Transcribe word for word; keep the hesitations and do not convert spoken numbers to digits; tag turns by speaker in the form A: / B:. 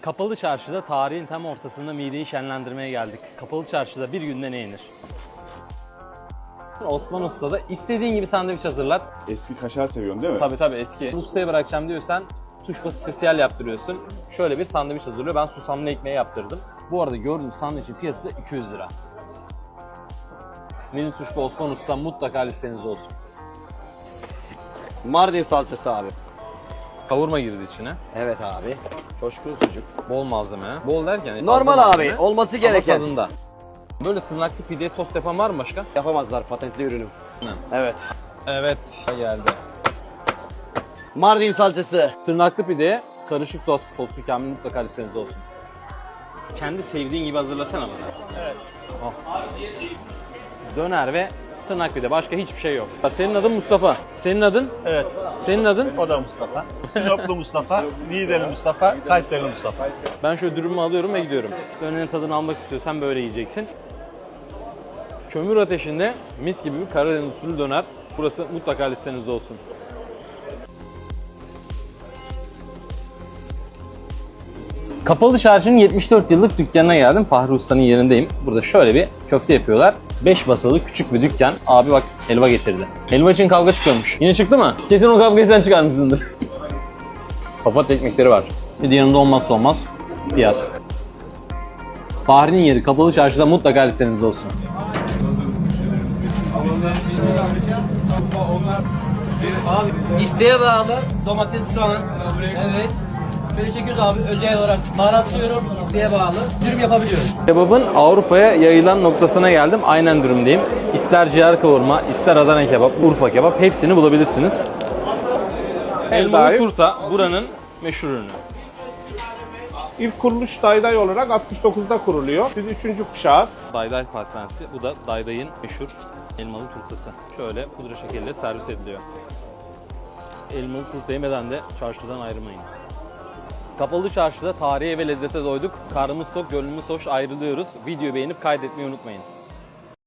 A: Kapalı Çarşı'da tarihin tam ortasında mideyi şenlendirmeye geldik. Kapalı Çarşı'da bir günde ne yenir? Osman Usta'da istediğin gibi sandviç hazırlar.
B: Eski kaşar seviyorsun değil mi?
A: Tabii tabii eski. Ustaya bırakacağım diyorsan tuşba spesiyal yaptırıyorsun. Şöyle bir sandviç hazırlıyor. Ben susamlı ekmeği yaptırdım. Bu arada gördüğünüz sandviçin fiyatı da iki yüz lira. Menü tuşba Osman Usta mutlaka listenizde olsun.
C: Mardin salçası abi.
A: Kavurma girdi içine.
C: Evet abi. Coşkun sucuk.
A: Bol malzeme. Bol derken
C: Normal
A: fazla
C: abi.
A: malzeme,
C: Olması
A: ama
C: gereken.
A: tadında. Böyle tırnaklı pideye tost yapan var mı başka?
C: Yapamazlar patentli ürünüm.
A: Ne?
C: Evet.
A: Evet. Geldi.
C: Mardin salçası.
A: Tırnaklı pideye karışık tost. Tostu kamil mutlaka listenizde olsun. Kendi sevdiğin gibi hazırlasana bana. Evet. Oh. Döner ve tırnak pide. Başka hiçbir şey yok. Senin adın Mustafa. Senin adın?
D: Evet,
A: Senin adın?
D: o da Mustafa. Sinoplu Mustafa, Niğdeli Mustafa, Kayseri Mustafa.
A: Ben şöyle dürümümü alıyorum ve gidiyorum. Dönerin tadını almak istiyorsan böyle yiyeceksin. Kömür ateşinde mis gibi bir Karadeniz usulü döner. Burası mutlaka listenizde olsun. Kapalı Çarşı'nın yetmiş dört yıllık dükkanına geldim. Fahri Usta'nın yerindeyim. Burada şöyle bir köfte yapıyorlar. beş basalı küçük bir dükkan. Abi bak helva getirdi. Helva için kavga çıkıyormuş. Yine çıktı mı? Kesin o kavgayı sen çıkarmışsındır. Papatya ekmekleri var. Bir de yanında olmazsa olmaz piyaz. Fahri'nin yeri Kapalı Çarşı'da mutlaka listenizde olsun.
E: Abi isteğe bağlı domates, soğan. Evet. Şöyle çekiyoruz abi özel olarak baharatlıyorum. İsteğe bağlı dürüm yapabiliyoruz.
A: Kebabın Avrupa'ya yayılan noktasına geldim. Aynen dürümdeyim. İster ciğer kavurma, ister Adana kebap, Urfa kebap hepsini bulabilirsiniz. Elmalı turta buranın meşhur ürünü.
F: İlk kuruluş Dayday olarak altmış dokuzda kuruluyor. Biz üçüncü kuşağız.
A: Dayday pastanesi. Bu da Dayday'ın meşhur elmalı turtası. Şöyle pudra şekeriyle servis ediliyor. Elmalı turta yemeden de çarşıdan ayrılmayın. Kapalı Çarşı'da tarihe ve lezzete doyduk. Karnımız tok, gönlümüz hoş ayrılıyoruz. Videoyu beğenip kaydetmeyi unutmayın.